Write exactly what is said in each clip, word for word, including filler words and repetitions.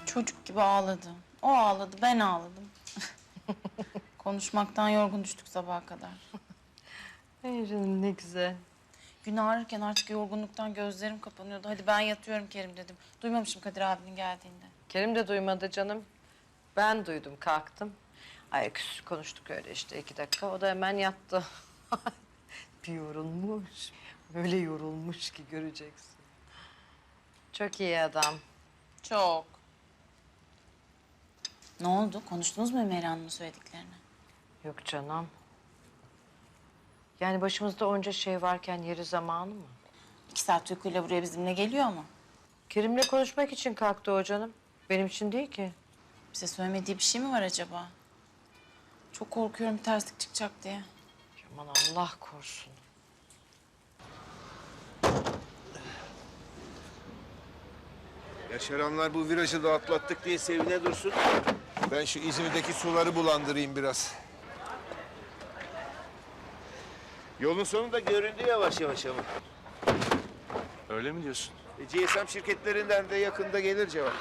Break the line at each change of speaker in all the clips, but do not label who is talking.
Çocuk gibi ağladı. O ağladı, ben ağladım. Konuşmaktan yorgun düştük sabaha kadar.
Ay canım ne güzel.
Gün ağrırken artık yorgunluktan gözlerim kapanıyordu. Hadi ben yatıyorum Kerim dedim. Duymamışım Kadir abinin geldiğinde.
Kerim de duymadı canım. Ben duydum, kalktım. Ayaküstü konuştuk öyle işte iki dakika. O da hemen yattı. Bir yorulmuş. Öyle yorulmuş ki göreceksin. Çok iyi adam.
Çok. Ne oldu? Konuştunuz mu Ömer Hanım'ın söylediklerini?
Yok canım. Yani başımızda onca şey varken yeri zamanı mı?
İki saat uykuyla buraya bizimle geliyor ama.
Kerim'le konuşmak için kalktı o canım. Benim için değil ki.
Bize söylemediği bir şey mi var acaba? Çok korkuyorum terslik çıkacak diye.
Aman Allah korusun.
Yaşaranlar bu virajı da atlattık diye sevine dursun. Ben şu İzmir'deki suları bulandırayım biraz. Yolun sonu da göründü yavaş yavaş ama.
Öyle mi diyorsun?
E, G S M şirketlerinden de yakında gelir cevap.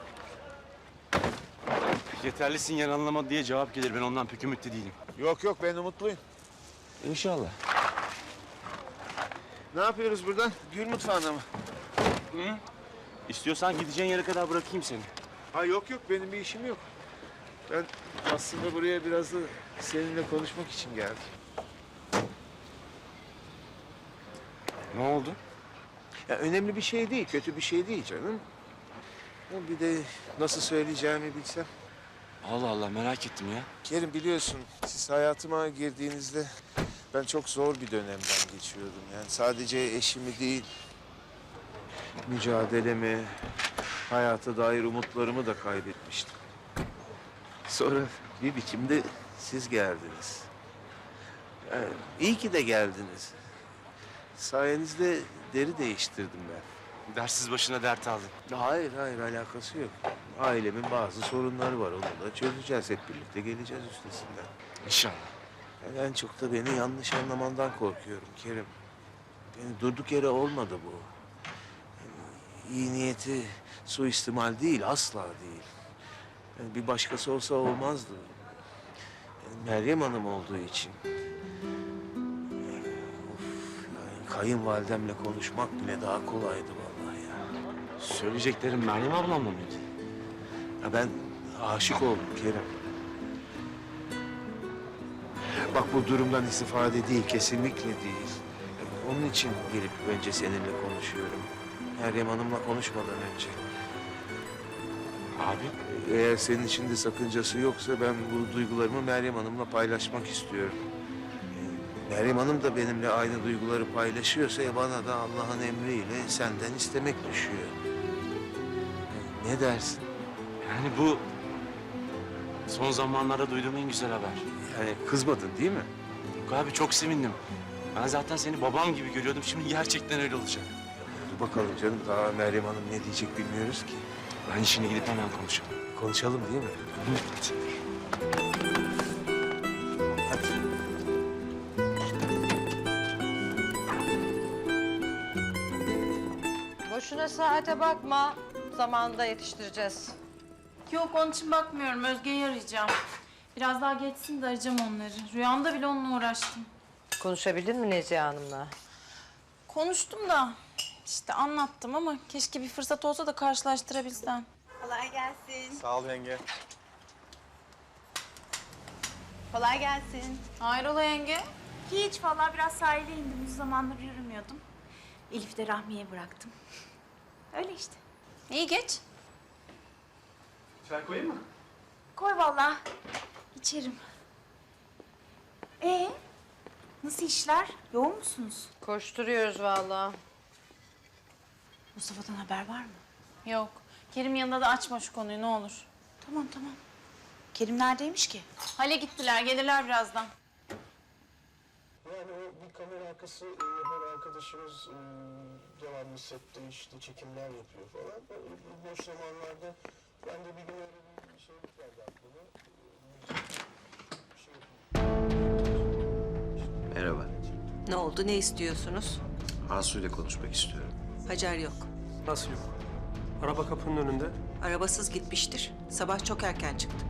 Yeterli sinyal anlamadı diye cevap gelir. Ben ondan pek ümitli değilim.
Yok yok ben umutluyum.
İnşallah.
Ne yapıyoruz buradan? Gül mutfağına mı?
Hı? İstiyorsan gideceğin yere kadar bırakayım seni.
Ha yok yok benim bir işim yok. Ben aslında buraya biraz da seninle konuşmak için geldim.
Ne oldu?
Ya önemli bir şey değil, kötü bir şey değil canım. Ya bir de nasıl söyleyeceğimi bilsem.
Allah Allah merak ettim ya.
Kerim biliyorsun siz hayatıma girdiğinizde ben çok zor bir dönemden geçiyordum. Yani sadece eşimi değil, mücadelemi, hayata dair umutlarımı da kaybetmiştim. Sonra bir biçimde siz geldiniz. Yani iyi ki de geldiniz. Sayenizde deri değiştirdim ben.
Dersiz başına dert aldın.
Hayır, hayır alakası yok. Ailemin bazı sorunları var. Onu da çözeceğiz. Hep birlikte geleceğiz üstesinden.
İnşallah.
Yani en çok da beni yanlış anlamandan korkuyorum Kerim. Yani durduk yere olmadı bu. Yani iyi niyeti suistimal değil, asla değil. Yani bir başkası olsa olmazdı. Yani Meryem Hanım olduğu için. Of, yani kayınvalidemle konuşmak bile daha kolaydı vallahi ya.
Söyleyeceklerim Meryem ablamla mıydı?
Ya ben aşık oldum Kerem. Bak bu durumdan istifade değil, kesinlikle değil. Onun için gelip önce seninle konuşuyorum. Meryem Hanım'la konuşmadan önce.
Abi.
Eğer senin için de sakıncası yoksa ben bu duygularımı Meryem Hanım'la paylaşmak istiyorum. Ee, Meryem Hanım da benimle aynı duyguları paylaşıyorsa ya bana da Allah'ın emriyle senden istemek düşüyor. Ee, Ne dersin?
Yani bu son zamanlarda duyduğum en güzel haber.
Yani kızmadın değil mi?
Yok abi çok sevindim. Ben zaten seni babam gibi görüyordum. Şimdi gerçekten öyle olacak.
Dur bakalım canım daha Meryem Hanım ne diyecek bilmiyoruz ki.
Ben işine gidip hemen konuşalım.
Konuşalım değil mi?
Evet.
Hadi.
Boşuna saate bakma. Zamanında yetiştireceğiz.
Yok onun için bakmıyorum. Özge'yi arayacağım. Biraz daha geçsin de arayacağım onları. Rüyamda bile onunla uğraştım.
Konuşabildin mi Nezihe Hanım'la?
Konuştum da işte anlattım ama keşke bir fırsat olsa da karşılaştırabilsem.
Kolay gelsin.
Sağ ol yenge.
Kolay gelsin.
Hayrola yenge?
Hiç vallahi biraz sahile indim. Uzun zamandır yürümüyordum. Elif'i de Rahmi'ye bıraktım. Öyle işte.
İyi geç.
Çay koyayım mı?
Koy vallahi. İçerim. Ee, nasıl işler? Yoğun musunuz?
Koşturuyoruz vallahi.
Mustafa'dan haber var mı?
Yok. Kerim yanında da açma şu konuyu ne olur.
Tamam tamam. Kerim neredeymiş ki?
Hale gittiler. Gelirler birazdan.
Yani o bir kamera arkası e, yapan arkadaşımız e, devamlı sette işte çekimler yapıyor falan. O, bu boş zamanlarda ben de bir gün öyle bir şey geldi aklıma. E, bir şey yapayım.
Merhaba.
Ne oldu, ne istiyorsunuz?
Asu ile konuşmak istiyorum.
Hacer yok.
Nasıl yok? Araba kapının önünde.
Arabasız gitmiştir. Sabah çok erken çıktı.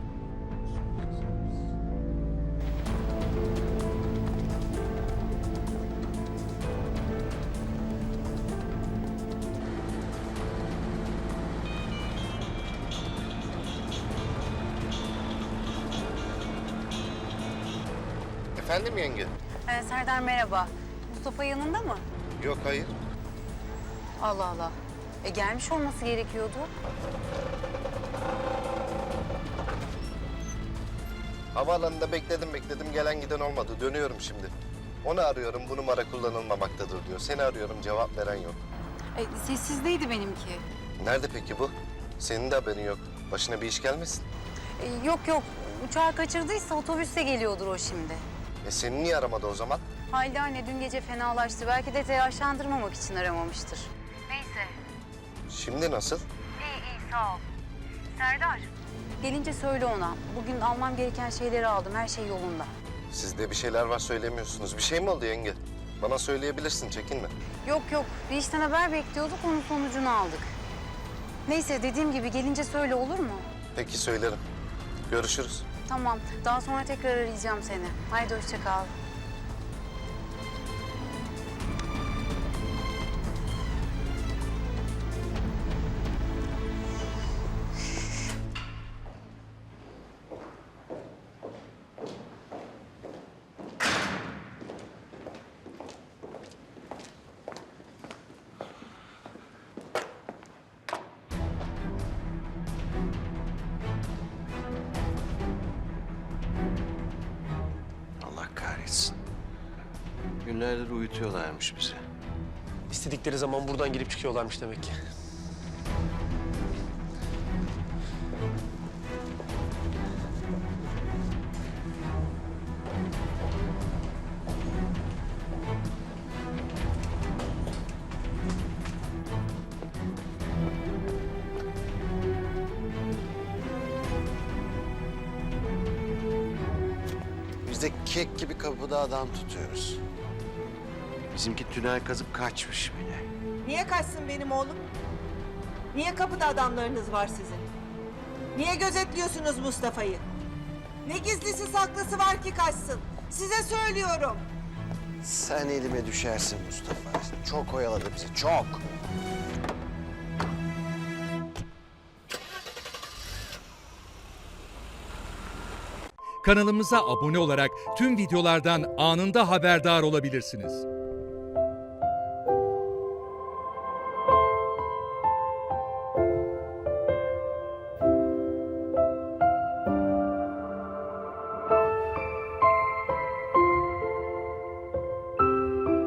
Efendim yenge?
Ee, Serdar merhaba. Mustafa yanında mı?
Yok, hayır.
Allah Allah. E gelmiş olması gerekiyordu.
Havaalanında bekledim bekledim gelen giden olmadı. Dönüyorum şimdi. Onu arıyorum, bu numara kullanılmamaktadır diyor. Seni arıyorum, cevap veren yok.
E, sessizdeydi benimki.
Nerede peki bu? Senin de haberin yok. Başına bir iş gelmesin.
E, yok yok. Uçağı kaçırdıysa otobüste geliyordur o şimdi.
E seni niye aramadı o zaman?
Halide anne dün gece fenalaştı. Belki de telaşlandırmamak için aramamıştır. Neyse.
Şimdi nasıl?
İyi iyi sağ ol. Serdar. Gelince söyle ona. Bugün almam gereken şeyleri aldım. Her şey yolunda.
Sizde bir şeyler var söylemiyorsunuz. Bir şey mi oldu yenge? Bana söyleyebilirsin, çekinme.
Yok yok. Bir işten haber bekliyorduk. Onun sonucunu aldık. Neyse dediğim gibi gelince söyle olur mu?
Peki söylerim. Görüşürüz.
Tamam. Daha sonra tekrar arayacağım seni. Haydi hoşça kal.
Allah kahretsin. Günlerdir uyutuyorlarmış bizi.
İstedikleri zaman buradan girip çıkıyorlarmış demek ki.
Biz de kek gibi kapıda adam tutuyoruz. Bizimki tünel kazıp kaçmış bile.
Niye kaçsın benim oğlum? Niye kapıda adamlarınız var sizin? Niye gözetliyorsunuz Mustafa'yı? Ne gizlisi saklısı var ki kaçsın? Size söylüyorum.
Sen elime düşersin Mustafa. Çok oyaladı bizi, çok.
Kanalımıza abone olarak tüm videolardan anında haberdar olabilirsiniz.